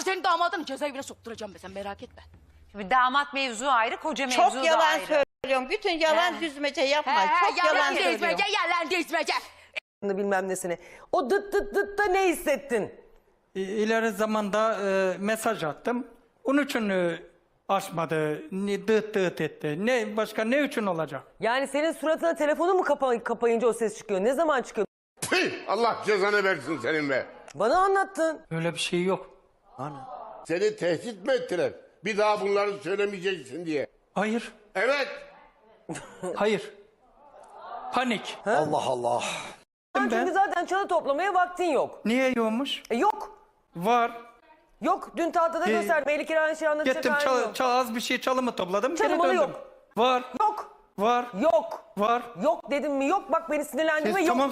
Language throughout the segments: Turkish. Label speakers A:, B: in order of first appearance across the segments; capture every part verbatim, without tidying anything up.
A: senin damadını cezaevine sokturacağım be, sen merak etme.
B: Şimdi damat mevzu ayrı, koca mevzu
C: Çok
B: da
C: yalan
B: ayrı.
C: söylüyorum. Bütün yalan
B: He.
C: düzmece yapma.
A: He, he,
C: Çok yalan
A: yalan
C: söylüyorum.
A: dizmece, yalan dizmece.
D: Bilmem nesini. O dıt dıt dıt da ne hissettin?
E: İ- İleri zamanda e, mesaj attım. Onun için e, açmadı. Ne, dıt dıt etti. Ne, başka ne için olacak?
D: Yani senin suratına telefonu mu kapa kapayınca o ses çıkıyor? Ne zaman çıkıyor?
F: Tüh, Allah cezanı versin senin be.
D: Bana anlattın.
E: Öyle bir şey yok.
F: Seni tehdit mi ettiler? Bir daha bunları söylemeyeceksin diye.
E: Hayır.
F: Evet.
E: Hayır. Panik.
G: Allah Allah.
D: Çünkü
E: Ben,
D: zaten çalı toplamaya vaktin yok.
E: niye yokmuş?
D: E yok.
E: Var.
D: Yok. Dün tahtada
E: Ee,
D: gösterdim. Melike aynı şey anlatacak
E: Gittim
D: halim
E: çal,
D: yok.
E: çal- az bir şey çalımı topladım. geri
D: Çalımalı
E: döndüm.
D: yok.
E: Var.
D: Yok.
E: Var.
D: Yok.
E: Var.
D: Yok dedim mi yok. Bak beni sinirlendirme
E: Siz
D: yok.
E: tamam.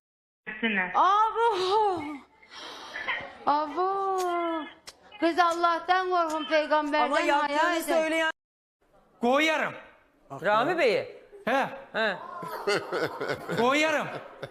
H: Abo. Abo. Kız Allah'tan korkun, peygamberden
D: Ama
H: hayal
D: yaptığını
H: edin.
D: söyleyen
E: Koyarım.
D: Rami Bey'i.
E: He.
D: He.
E: Koyarım.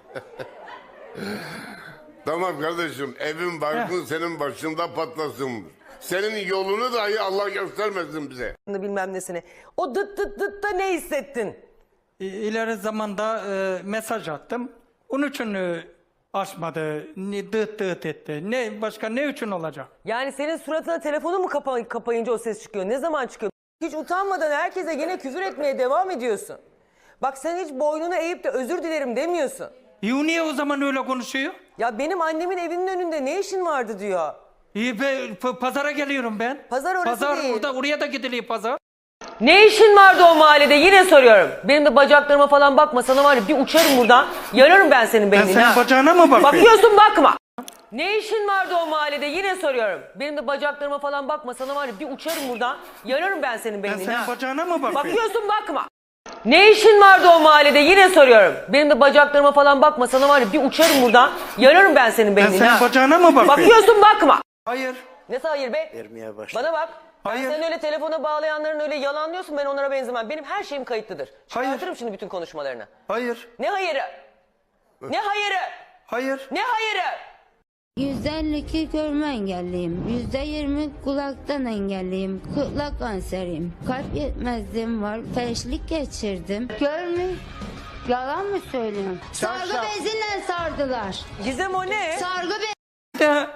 F: Tamam kardeşim, evin barkın senin başında patlasın. Senin yolunu dahi Allah göstermesin bize.
D: Bilmem nesini. O dıt dıt dıt da ne hissettin?
E: İ- İleri zamanda e, mesaj attım. Onun için e, açmadı. Ne, dıt dıt etti. Ne, başka ne için olacak?
D: Yani senin suratına telefonu mu kapa kapayınca o ses çıkıyor? Ne zaman çıkıyor? Hiç utanmadan herkese gene küfür etmeye devam ediyorsun. Bak sen hiç boynunu eğip de özür dilerim demiyorsun.
E: İyi, niye o zaman öyle konuşuyor?
D: Ya benim annemin evinin önünde ne işin vardı diyor.
E: İyi, be, p- pazara geliyorum ben.
D: Pazar orası
E: Pazar
D: değil.
E: orada, oraya da gidiliyor pazar.
D: Ne işin vardı o mahallede yine soruyorum. Benim de bacaklarıma falan bakma, sana var ya bir uçarım buradan. Yararım ben senin
E: Ben
D: beynini.
E: senin
D: ha.
E: bacağına mı bakıyorum?
D: Bakıyorsun bakma. Ne işin vardı o mahallede yine soruyorum. Benim de bacaklarıma falan bakma, sana var ya bir uçarım buradan. Yararım ben senin
E: Ben
D: beynini.
E: senin
D: ha.
E: bacağına mı bakıyorum?
D: Bakıyorsun bakma. Ne işin vardı o mahallede yine soruyorum. Benim de bacaklarıma falan bakma, sana var ya bir uçarım buradan. Yararım ben senin
E: Ben
D: beynini.
E: senin
D: ha.
E: bacağına mı bakıyorum?
D: Bakıyorsun bakma.
E: Hayır.
D: Ne hayır be?
G: Vermeye başladı.
D: Bana bak.
E: Hayır.
D: Sen öyle telefona bağlayanların öyle yalanlıyorsun, ben onlara benzemem. Benim her şeyim kayıtlıdır.
E: Hayır.
D: Çıkartırım şimdi bütün konuşmalarını.
E: Hayır.
D: Ne hayırı? Ne hayırı?
E: Hayır.
D: Ne hayırı?
H: yüzde elli iki görme engelliyim. yüzde yirmi kulaktan engelliyim. Kulak kanseriyim. Kalp yetmezliğim var. Felçlik geçirdim. Görme. Yalan mı söylüyorum? Sargı beziyle sardılar.
D: Gizem o ne?
H: Sargı be
E: De,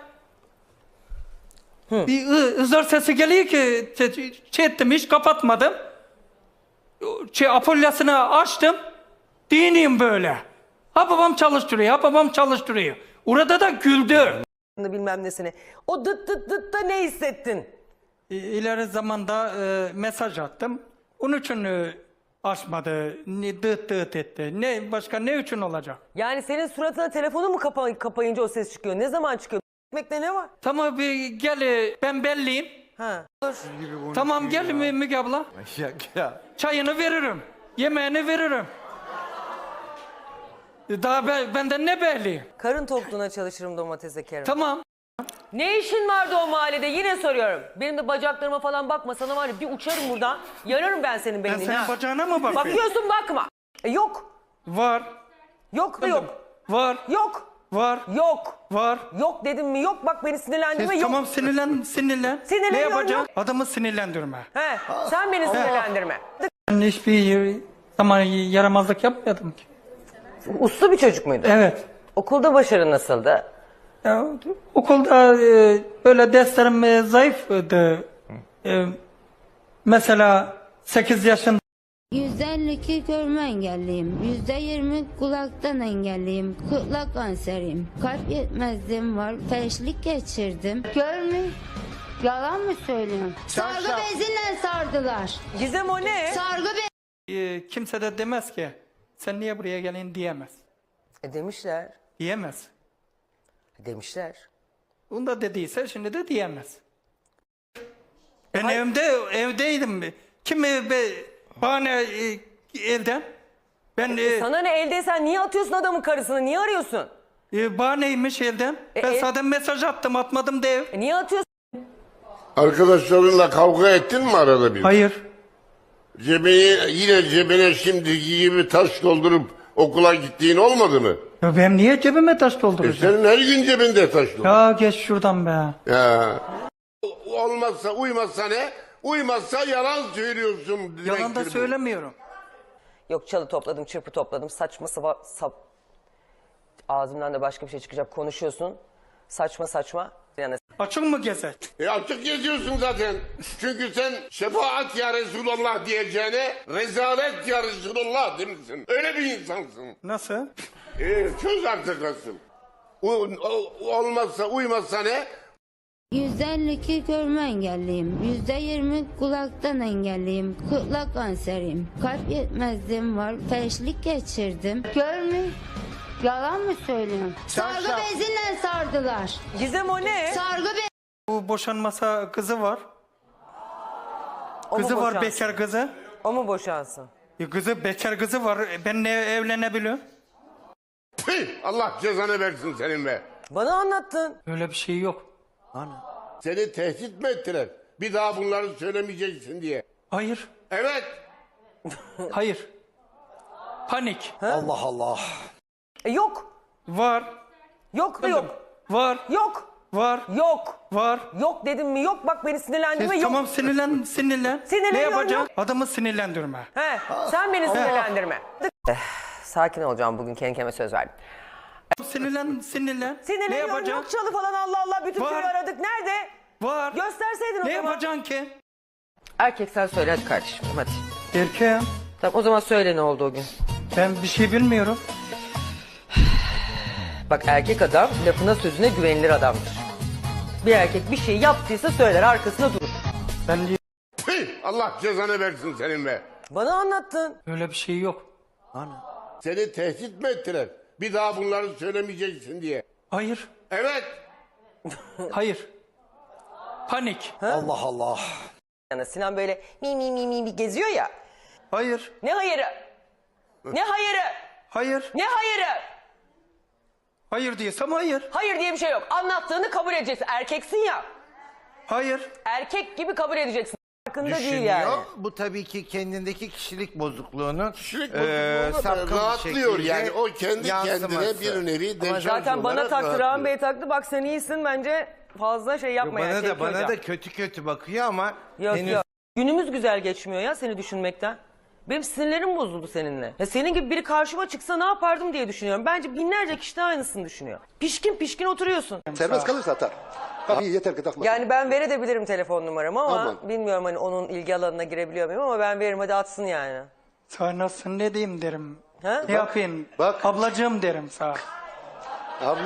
E: bir ı- ızır sesi geliyor ki şey, şey ettim, hiç kapatmadım. Şey, apolyasını açtım. Diniyim böyle. Ha babam çalıştırıyor, ha babam çalıştırıyor. Orada da güldü.
D: Bilmem nesini. O dıt dıt dıt da ne hissettin?
E: İ- İleri zamanda e, mesaj attım. Onun için e, açmadı. Ne, dıt dıt etti. Ne, başka ne için olacak?
D: Yani senin suratına telefonu mu kapa kapayınca o ses çıkıyor? Ne zaman çıkıyor? Ekmekte ne var?
E: Tamam bir gel, e, ben belliyim.
D: Ha.
E: Tamam gel Mü- Müge abla.
G: Ya, ya.
E: Çayını veririm. Yemeğini veririm. Daha ben, benden ne belli?
D: Karın tokluğuna çalışırım domates ekerim.
E: Tamam.
D: Ne işin vardı o mahallede yine soruyorum. Benim de bacaklarıma falan bakma, sana var ya bir uçarım buradan. Yararım ben senin
E: Ben
D: beynini.
E: senin
D: ha.
E: bacağına mı bakıyorum?
D: Bakıyorsun bakma. E yok.
E: Var.
D: Yok da yok.
E: Var.
D: Yok.
E: Var.
D: Yok.
E: Var.
D: Yok dedim mi yok, bak beni sinirlendirme
E: Siz
D: yok.
E: tamam sinirlen, sinirlen.
D: Sinirleniyorum,
E: Ne yapacağım?
D: yok.
E: Adamı sinirlendirme.
D: He, sen beni sinirlendirme.
E: Ben hiçbir zaman yaramazlık yapmadım ki.
D: Uslu bir çocuk muydu?
E: Evet.
D: Okulda başarı nasıldı?
E: Ya, okulda e, böyle derslerim e, zayıftı. E, mesela sekiz yaşında
H: yüzde elli iki görme engelliyim. yüzde yirmi kulaktan engelliyim. Kulak kanseriyim. Kalp yetmezliğim var. Felçlik geçirdim. Görme. Yalan mı söylüyorum? Sargı beziyle sardılar.
D: Gizem o ne?
H: Sargı be
E: e, kimse de demez ki sen niye buraya gelin diyemez.
D: E demişler.
E: Diyemez.
D: Demişler.
E: Onu da dediyse şimdi de diyemez. Ben evde evdeydim. Kim e, be, bahane e, evden? Ben e,
D: Sana ne, eldeysen niye atıyorsun adamın karısını? Niye arıyorsun?
E: e, bahaneymiş evden.
D: E,
E: ben
D: e-
E: zaten mesaj attım, atmadım dev.
D: E niye atıyorsun?
F: Arkadaşlarınla kavga ettin mi arada bir?
E: Hayır.
F: Cebine, yine cebine şimdiki gibi taş doldurup okula gittiğin olmadı mı?
E: Ya ben niye cebime taş
F: E
E: dolduracağım?
F: senin her gün cebinde taş doldur.
E: Ya geç şuradan be.
F: Ya. olmazsa uymazsa ne? Uymazsa yalan söylüyorsun.
E: Yalan da
F: demektir bu.
E: söylemiyorum.
D: Yok çalı topladım, çırpı topladım. Saçma sapa, sap. Ağzımdan da başka bir şey çıkacak. Konuşuyorsun. Saçma saçma. Yani
E: Açık mı gezer?
F: E açık geziyorsun zaten. Çünkü sen şefaat ya Resulallah diyeceğine rezalet ya Resulallah demişsin. Öyle bir insansın.
E: Nasıl?
F: E, çöz artık asıl. U, o- olmazsa uymazsa ne?
H: yüzde elli iki görme engelliyim. yüzde yirmi kulaktan engelliyim. Kulak kanseriyim. Kalp yetmezliğim var. Felçlik geçirdim. Görme. Yalan mı söylüyorum? Sargı beziyle sardılar.
D: Gizem o ne?
H: Sargı be
E: Bu boşanmasa kızı var.
D: O mu
E: Kızı var,
D: boşansın?
E: bekar kızı.
D: O mu boşansın?
E: E, Kızı bekar kızı var. E, Ben ne evlenebiliyorum?
F: Tüh, Allah cezanı versin senin be.
D: Bana anlattın.
E: Öyle bir şey yok.
F: Seni tehdit mi ettiler? Bir daha bunları söylemeyeceksin diye.
E: Hayır.
F: Evet.
E: Hayır. Panik.
C: Allah Allah.
D: E yok.
E: Var.
D: Yok da yok.
E: Var.
D: Yok.
E: Var.
D: Yok.
E: Var.
D: Yok dedim mi? Yok bak beni sinirlendirme.
E: E,
D: Yok.
E: tamam sinirlen, sinirlen.
D: Sinirleniyorum,
E: Ne yapacaksın?
D: yok.
E: Adamı sinirlendirme.
D: He, sen beni sinirlendirme. Eh, sakin olacağım bugün, kendi kendime söz verdim.
E: Sinirlen, sinirlen. Ne
D: Sinirleniyorum,
E: yapacaksın?
D: yok çalı falan, Allah Allah, bütün
E: Var.
D: köyü aradık. Nerede?
E: Var.
D: Gösterseydin o
E: Ne
D: zaman.
E: yapacaksın ki?
D: Erkek sen söyle hadi kardeşim, hadi.
E: Erkeğim.
D: Tamam o zaman söyle ne oldu o gün.
E: Ben bir şey bilmiyorum.
D: Bak erkek adam lafına sözüne güvenilir adamdır. Bir erkek bir şey yaptıysa söyler, arkasında durur.
E: Ben
F: Tüh, Allah cezanı versin senin be.
D: Bana anlattın.
E: öyle bir şey yok.
F: Seni tehdit mi ettiler? Bir daha bunları söylemeyeceksin diye.
E: Hayır.
F: Evet.
E: Hayır. Panik.
C: Allah Allah.
D: Yani Sinan böyle mi mi mi mi mi geziyor ya.
E: Hayır.
D: Ne hayırı? Ne hayırı?
E: Hayır.
D: Ne hayırı?
E: Hayır diyorsam hayır.
D: Hayır diye bir şey yok. Anlattığını kabul edeceksin. Erkeksin ya.
E: Hayır.
D: Erkek gibi kabul edeceksin. Farkında değil
C: Düşünüyor.
D: yani.
C: Bu tabii ki kendindeki kişilik bozukluğunun
F: Kişilik
C: eee,
F: bozukluğuna da
C: sapkın bir
F: rahatlıyor
C: şekilde
F: yani. O kendi
C: yansıması.
F: kendine bir nevi
D: Ama
F: deşarj
D: zaten bana
F: olarak
D: taktı, Rahmi
F: rahatlıyor.
D: Bey taktı. Bak sen iyisin, bence fazla şey yapma.
C: Bana
D: yani,
C: da
D: Şevki
C: bana
D: Hocam.
C: da kötü kötü bakıyor ama
D: Yok
C: henüz
D: yok. Günümüz güzel geçmiyor ya seni düşünmekten. Benim sinirlerim bozuldu seninle. Ya senin gibi biri karşıma çıksa ne yapardım diye düşünüyorum. Bence binlerce kişi de aynısını düşünüyor. Pişkin pişkin oturuyorsun.
G: Serbest kalırsa atar. Tabii yeter ki takma.
D: Yani ben verebilirim telefon numaramı ama
G: Aman.
D: bilmiyorum hani onun ilgi alanına girebiliyor muyum ama ben veririm, hadi atsın yani.
E: Sana nasıl ne diyeyim derim.
D: Ha?
E: Ne yapayım?
G: bak.
E: Ablacığım derim sana.
G: Abla,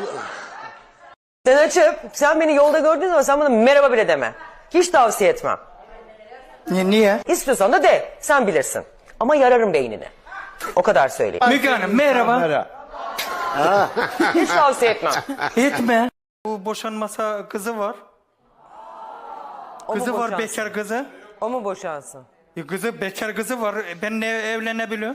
D: Sen açıp sen beni yolda gördüğün zaman sen bana merhaba bile deme. Hiç tavsiye etmem.
E: Ni- Niye?
D: İstiyorsan da de, sen bilirsin. Ama yararım beynini. O kadar söyleyeyim.
E: Müge Hanım merhaba.
C: insanlara
D: Hiç tavsiye etmem.
E: Etme. Bu boşanmasa kızı var.
D: O mu
E: Kızı var,
D: boşansın?
E: bekar kızı.
D: O mu boşansın?
E: E, Kızı bekar kızı var. E, Ben ne evlenebiliyorum?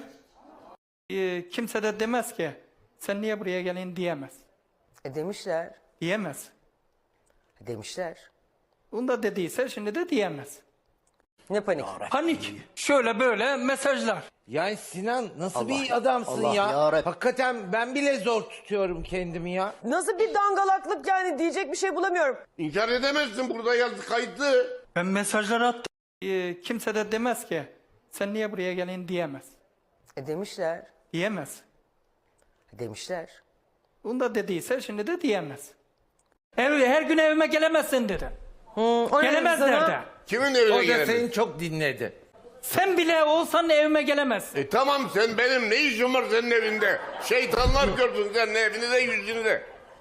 E: E, kimse de demez ki sen niye buraya gelin diyemez.
D: E demişler.
E: Diyemez.
D: Demişler.
E: Onu da dediyse şimdi de diyemez.
D: Ne panik?
E: Panik. Şöyle böyle mesajlar.
I: Yani Sinan nasıl bir adamsın
G: Allah
I: ya?
G: yarabbim.
I: Hakikaten ben bile zor tutuyorum kendimi ya.
D: Nasıl bir dangalaklık yani, diyecek bir şey bulamıyorum.
F: İnkar edemezsin, burada yazı kayıtlı.
E: Ben mesajları attım. E, kimse de demez ki sen niye buraya gelin diyemez.
D: E demişler.
E: Diyemez.
D: Demişler.
E: Onu da dediyse şimdi de diyemez. Her, her gün evime gelemezsin dedi.
D: O ne
E: Gelemezler
D: sana?
E: de.
F: Kimin
I: O
F: evine
I: da
F: gelemez?
I: seni çok dinledi.
E: Sen bile olsan evime gelemezsin.
F: E tamam, sen benim ne işim var senin evinde? Şeytanlar gördün senin evini de yüzünü de.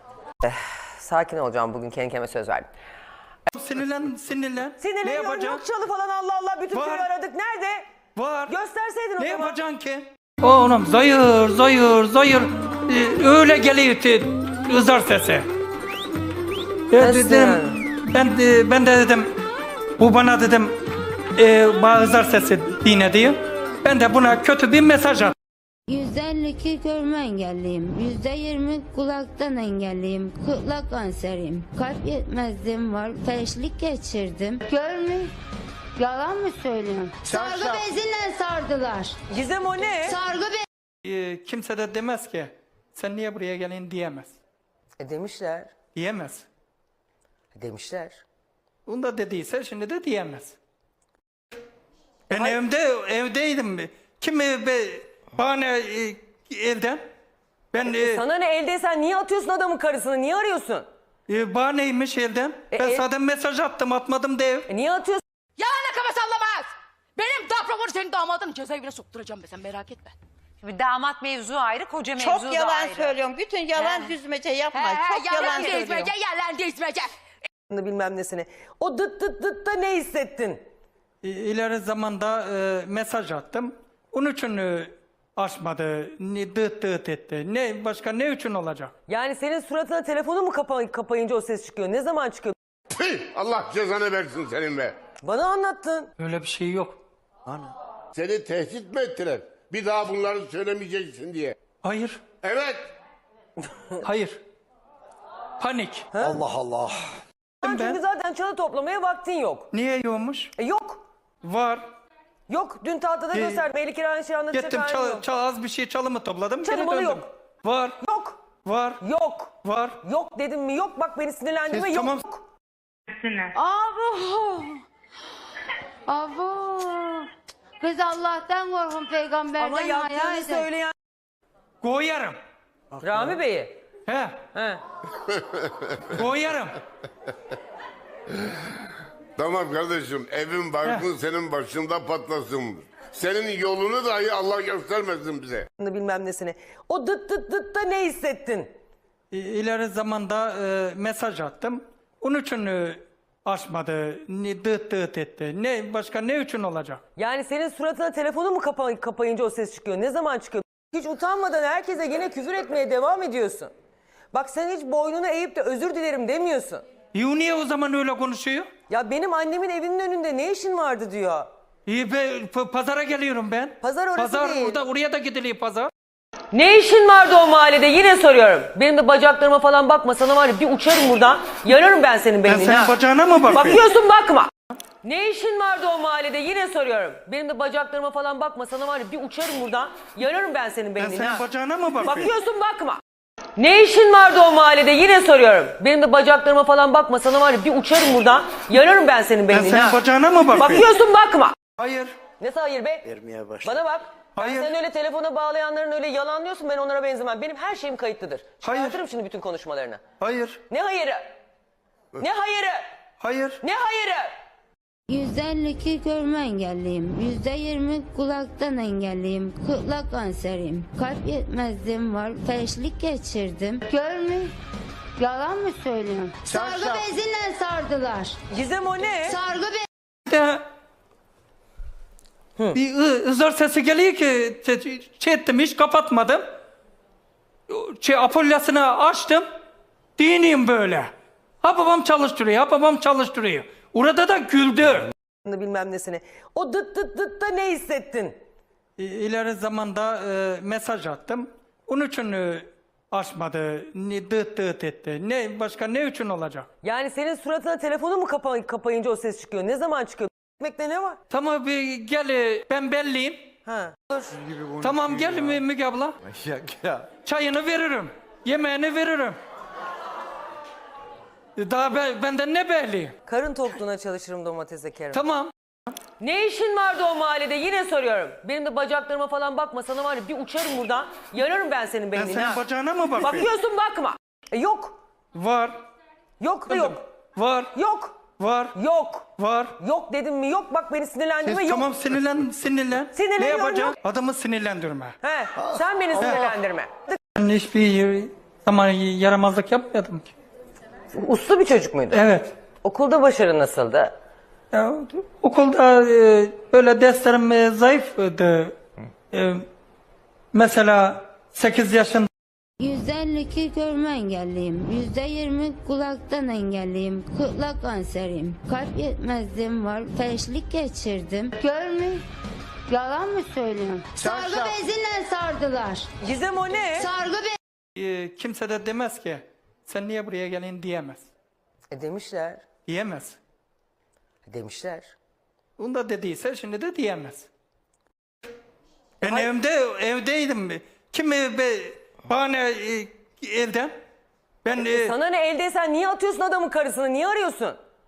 D: Sakin olacağım bugün, kendi kendime söz verdim.
E: Sinirlen, sinirlen. Ne
D: Sinirleniyorum,
E: yapacaksın?
D: yok çalı falan, Allah Allah, bütün
E: Var.
D: köyü aradık. Nerede?
E: Var.
D: Gösterseydin o
E: Ne
D: zaman.
E: yapacaksın ki? Oğlum zayır, zayır, zayır. Ee, öyle geliyor ki ızar sesi. Ben
D: Nasıl
E: dedim,
D: yani?
E: ben de, ben de dedim, bu bana dedim, e, bana ızar sesi dine diyor. Ben de buna kötü bir mesaj attım.
H: yüzde elli iki görme engelliyim. yüzde yirmi kulaktan engelliyim. Kulak kanseriyim. Kalp yetmezliğim var. Felçlik geçirdim. Görme. Yalan mı söylüyorum? Sargı beziyle sardılar.
D: Gizem o ne?
H: Sargı be
E: Ee, kimse de demez ki sen niye buraya gelin diyemez.
D: E demişler.
E: Diyemez.
D: Demişler.
E: Onu da dediyse şimdi de diyemez. Ben evde evdeydim. Kim be, bana e, evden? Ben e,
D: Sana ne, eldeysen niye atıyorsun adamın karısını? Niye arıyorsun?
E: e, bahaneymiş evden.
D: E,
E: ben
D: e-
E: zaten mesaj attım, atmadım dev.
D: E niye atıyorsun?
A: Yalan kafa sallamaz. Benim daproporu senin damadın cezaevine sokturacağım be sen merak etme.
B: Şimdi damat mevzu ayrı, koca mevzu
J: Çok
B: da
J: yalan
B: ayrı.
J: söylüyorsun. Bütün yalan
B: He.
J: düzmece yapma.
A: He he
J: Çok yalan
A: yalan
J: söylüyorsun.
A: dizmece yalan dizmece.
D: Bilmem nesini. O dıt dıt dıt da ne hissettin?
E: E, ileri zamanda e, mesaj attım. Onun için e, açmadı. Ne, dıt dıt etti. Ne, başka ne için olacak?
D: Yani senin suratına telefonu mu kapa kapayınca o ses çıkıyor? Ne zaman çıkıyor?
F: Tüh, Allah cezanı versin senin be.
D: Bana anlattın.
E: Öyle bir şey yok.
F: Seni tehdit mi ettiler? Bir daha bunları söylemeyeceksin diye.
E: Hayır.
F: Evet.
E: Hayır. Panik.
C: Allah Allah.
D: Çünkü
E: Ben.
D: zaten çalı toplamaya vaktin yok.
E: Niye yokmuş?
D: E yok.
E: Var.
D: Yok. Dün tahtada
E: Ee,
D: gösterdim. Melike aynı şey anlatacak
E: Gittim
D: halim
E: çal,
D: yok.
E: çal- az bir şey çalımı topladım. geri
D: Çalımalı
E: döndüm.
D: yok.
E: Var.
D: Yok.
E: Var.
D: Yok.
E: Var.
D: Yok dedim mi yok. Bak beni sinirlendirme
E: Siz
D: yok.
E: tamam.
H: Abo. Abo. Kız Allah'tan korkun, peygamberden
D: Ama
H: haya
D: yaptığını
H: edin.
D: söyleyen
E: Koyarım.
D: Rami Bey'i.
E: He.
D: He.
E: Koyarım.
F: Tamam kardeşim, evin barkın senin başında patlasın. Senin yolunu dahi Allah göstermesin bize.
D: Bilmem nesini. O dıt dıt dıt da ne hissettin?
E: İ- İleri zamanda e, mesaj attım. Onun için e, açmadı. Ne, dıt dıt etti. Ne, başka ne için olacak?
D: Yani senin suratına telefonu mu kapa kapayınca o ses çıkıyor? Ne zaman çıkıyor? Hiç utanmadan herkese yine küfür etmeye devam ediyorsun. Bak sen hiç boynunu eğip de özür dilerim demiyorsun.
E: İyi, niye o zaman öyle konuşuyor?
D: Ya benim annemin evinin önünde ne işin vardı diyor.
E: İyi, be, p- pazara geliyorum ben.
D: Pazar orası
E: Pazar
D: değil.
E: orada, oraya da gidiliyor pazar.
D: Ne işin vardı o mahallede yine soruyorum. Benim de bacaklarıma falan bakma sana var ya bir uçarım buradan. Yararım ben senin
E: Ben
D: beynini
E: senin
D: ha.
E: bacağına mı bakıyorum?
D: Bakıyorsun bakma. Ne işin vardı o mahallede yine soruyorum. Benim de bacaklarıma falan bakma sana var ya bir uçarım buradan. Yararım ben senin
E: Ben
D: beynini
E: senin
D: ha.
E: bacağına mı bakıyorum?
D: Bakıyorsun bakma. Ne işin vardı o mahallede yine soruyorum. Benim de bacaklarıma falan bakma sana var ya bir uçarım buradan. Yararım ben senin
E: Ben
D: beynini
E: senin
D: ha.
E: bacağına mı bakıyorum?
D: Bakıyorsun bakma.
E: Hayır.
D: Ne hayır be?
C: Vermeye başladı.
D: Bana bak.
E: Hayır.
D: Sen öyle telefona bağlayanların öyle yalanlıyorsun ben onlara benzemem. Benim her şeyim kayıtlıdır.
E: Hayır.
D: Çıkartırım şimdi bütün konuşmalarını.
E: Hayır.
D: Ne hayırı? Ne hayırı?
E: Hayır.
D: Ne hayırı?
H: yüzde elli iki görme engelliyim. yüzde yirmi kulaktan engelliyim. Kulak kanseriyim. Kalp yetmezliğim var. Felçlik geçirdim. Görme. Yalan mı söylüyorum? Sargı beziyle sardılar.
D: Gizem o ne?
H: Sargı be
E: De, bir ı- ızır sesi geliyor ki te- şey ettim, hiç kapatmadım. Şey, apolyasını açtım. Diniyim böyle. Ha babam çalıştırıyor, ha babam çalıştırıyor. Orada da güldü.
D: Bilmem nesini. O dıt dıt dıt da ne hissettin?
E: İ- İleri zamanda e, mesaj attım. Onun için e, açmadı. Ne, dıt dıt etti. Ne, başka ne için olacak?
D: Yani senin suratına telefonu mu kapa kapayınca o ses çıkıyor? Ne zaman çıkıyor? Ekmekte ne var?
E: Tamam bir gel, e, ben belliyim.
D: Ha.
E: Tamam gel Mü- Müge abla. Çayını veririm. Yemeğini veririm. Daha ben, benden ne belli?
D: Karın tokluğuna çalışırım domates ekerim.
E: Tamam.
D: Ne işin vardı o mahallede yine soruyorum. Benim de bacaklarıma falan bakma sana var ya bir uçarım buradan. Yararım ben senin
E: Ben
D: beynini
E: senin
D: ha.
E: bacağına mı bakıyorum?
D: Bakıyorsun bakma. E yok.
E: Var.
D: Yok da yok.
E: Var.
D: Yok.
E: Var.
D: Yok.
E: Var.
D: Yok dedim mi yok bak beni sinirlendirme
E: Siz
D: yok.
E: tamam sinirlen, sinirlen.
D: Sinirleniyorum,
E: Ne yapacağım?
D: yok.
E: Adamı sinirlendirme.
D: He, sen beni sinirlendirme.
E: Ben hiçbir zaman yaramazlık yapmadım ki.
D: Uslu bir çocuk muydu?
E: Evet.
D: Okulda başarı nasıldı?
E: Ya, okulda e, böyle derslerim e, zayıftı. E, mesela sekiz yaşında
H: yüzde elli iki görme engelliyim. yüzde yirmi kulaktan engelliyim. Kulak kanseriyim. Kalp yetmezliğim var. Felçlik geçirdim. Görme. Yalan mı söylüyorum? Sargı beziyle sardılar.
D: Gizem o ne?
H: Sargı be
E: e, kimse de demez ki sen niye buraya gelin diyemez.
D: E demişler.
E: Diyemez.
D: Demişler.
E: Onu da dediyse şimdi de diyemez. Ben evde evdeydim. Kim be, bana e, evden? Ben e,
D: Sana ne eldeysen niye atıyorsun adamın karısını? Niye arıyorsun?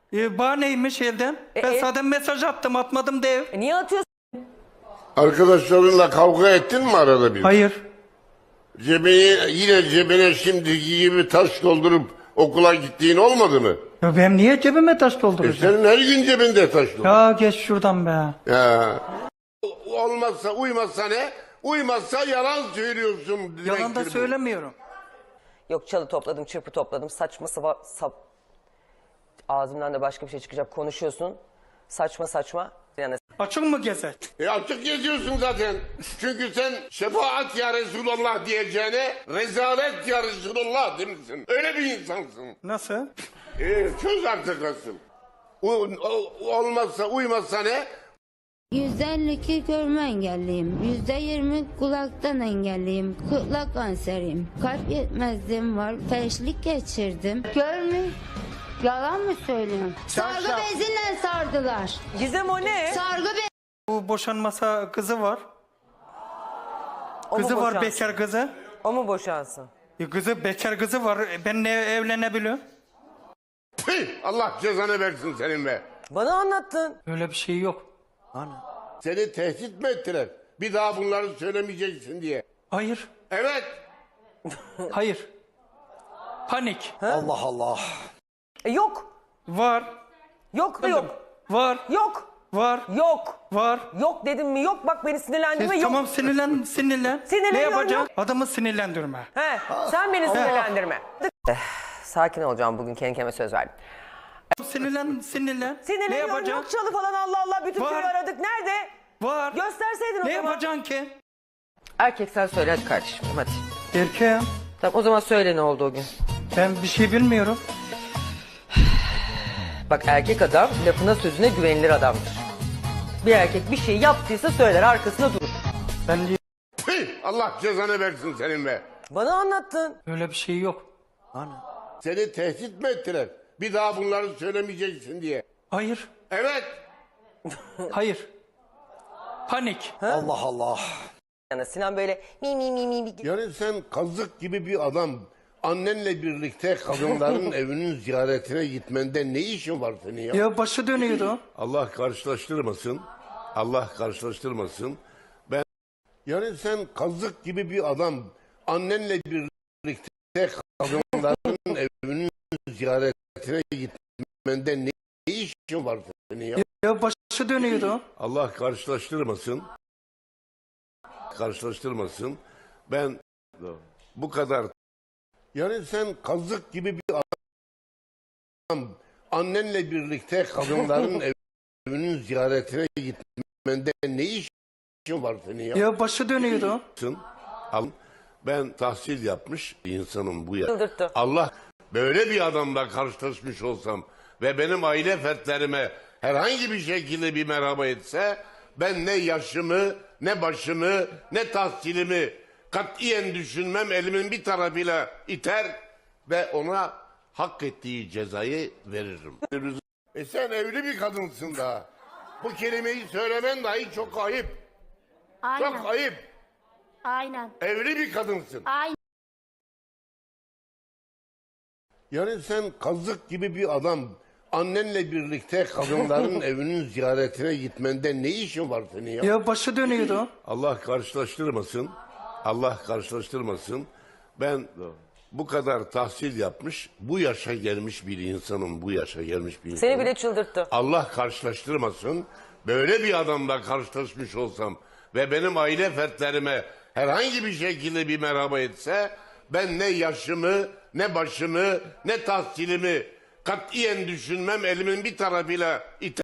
E: E, bana neymiş elden? ben
D: e-
E: zaten mesaj attım, atmadım dev.
D: E niye atıyorsun?
F: Arkadaşlarınla kavga ettin mi arada bir?
E: Hayır.
F: Cebine, yine cebine şimdiki gibi taş doldurup okula gittiğin olmadı mı?
E: Ya ben niye cebime taş
F: E
E: dolduracağım?
F: senin her gün cebinde taş doldur.
E: Ya geç şuradan be.
F: Ya. Olmazsa uymazsa ne? Uymazsa yalan söylüyorsun.
E: Yalan da
F: demektir bu.
E: söylemiyorum.
D: Yok çalı topladım, çırpı topladım. Saçma sapa... Sap... Ağzımdan da başka bir şey çıkacak. Konuşuyorsun. Saçma saçma. Yani
E: Açık mı gezer?
F: E açık geziyorsun zaten. Çünkü sen şefaat ya Resulallah diyeceğine rezalet ya Resulallah demişsin. Öyle bir insansın.
E: Nasıl?
F: E, çöz artık asıl. U, o- olmazsa uymazsa ne?
H: yüzde elli iki görme engelliyim. yüzde yirmi kulaktan engelliyim. Kulak kanseriyim. Kalp yetmezliğim var. Felçlik geçirdim. Görme. Yalan mı söylüyorum? Sargı beziyle sardılar.
D: Gizem o ne?
H: Sargı be
E: Bu boşanmasa kızı var.
D: O mu
E: Kızı var,
D: boşansın?
E: bekar kızı.
D: O mu boşansın?
E: E, kızı bekar kızı var. E, ben ne evlenebiliyorum?
F: Tüh, Allah cezanı versin senin be.
D: Bana anlattın.
E: Öyle bir şey yok.
F: Seni tehdit mi ettiler? Bir daha bunları söylemeyeceksin diye.
E: Hayır.
F: Evet.
E: Hayır. Panik.
C: Allah Allah.
D: E yok.
E: Var.
D: Yok da yok.
E: Var.
D: Yok.
E: Var.
D: Yok.
E: Var.
D: Yok dedim mi? Yok bak beni sinirlendirme.
E: E,
D: Yok.
E: tamam sinirlen, sinirlen.
D: Sinirleniyorum,
E: Ne yapacaksın?
D: yok.
E: Adamı sinirlendirme.
D: He, sen beni sinirlendirme. Eh, Sakin olacağım bugün, kendi kendime söz verdim.
E: Sinirlen, sinirlen. Ne
D: Sinirleniyorum,
E: yapacaksın?
D: yok çalı falan, Allah Allah, bütün
E: Var.
D: köyü aradık. Nerede?
E: Var.
D: Gösterseydin o
E: Ne
D: zaman.
E: yapacaksın ki?
D: Erkek sen söyle hadi kardeşim, hadi.
E: Erkeğim.
D: Tamam o zaman söyle ne oldu o gün.
E: Ben bir şey bilmiyorum.
D: Bak erkek adam lafına sözüne güvenilir adamdır. Bir erkek bir şey yaptıysa söyler, arkasında durur.
E: Ben
F: Tüh, Allah cezanı versin senin be.
D: Bana anlattın.
E: öyle bir şey yok.
F: Seni tehdit mi ettiler? Bir daha bunları söylemeyeceksin diye.
E: Hayır.
F: Evet.
E: Hayır. Panik.
C: Allah Allah.
D: Yani Sinan böyle mi mi mi mi mi.
F: Yani sen kazık gibi bir adam. Annenle birlikte kadınların evinin ziyaretine gitmende ne işin var senin ya?
E: Ya başı dönüyordu.
F: Allah karşılaştırmasın. Allah karşılaştırmasın. Ben yani sen kazık gibi bir adam. Annenle birlikte kadınların evinin ziyaretine gitmende ne işin var senin ya?
E: Ya başı dönüyordu.
F: Allah karşılaştırmasın. Karşılaştırmasın. Ben bu kadar yani sen kazık gibi bir adam. Annenle birlikte kadınların evinin ziyaretine gitmende ne işin var senin ya?
E: Ya başı dönüyordu.
F: Al, ben tahsil yapmış bir insanım bu ya.
D: Çıldırttı.
F: Allah böyle bir adamla karşılaşmış olsam ve benim aile fertlerime herhangi bir şekilde bir merhaba etse ben ne yaşımı, ne başımı, ne tahsilimi katiyen düşünmem, elimin bir tarafıyla iter ve ona hak ettiği cezayı veririm. E sen evli bir kadınsın daha. Bu kelimeyi söylemen dahi çok ayıp.
J: Aynen.
F: Çok ayıp.
J: Aynen.
F: Evli bir kadınsın.
J: Aynen.
F: Yani sen kazık gibi bir adam. Annenle birlikte kadınların evinin ziyaretine gitmende ne işin var senin ya?
E: Ya başı dönüyordu.
F: Allah karşılaştırmasın. Allah karşılaştırmasın. Ben bu kadar tahsil yapmış, bu yaşa gelmiş bir insanım, bu yaşa gelmiş bir insanım.
D: Seni bile çıldırttı.
F: Allah karşılaştırmasın. Böyle bir adamla karşılaşmış olsam ve benim aile fertlerime herhangi bir şekilde bir merhaba etse ben ne yaşımı, ne başımı, ne tahsilimi katiyen düşünmem, elimin bir tarafıyla iter.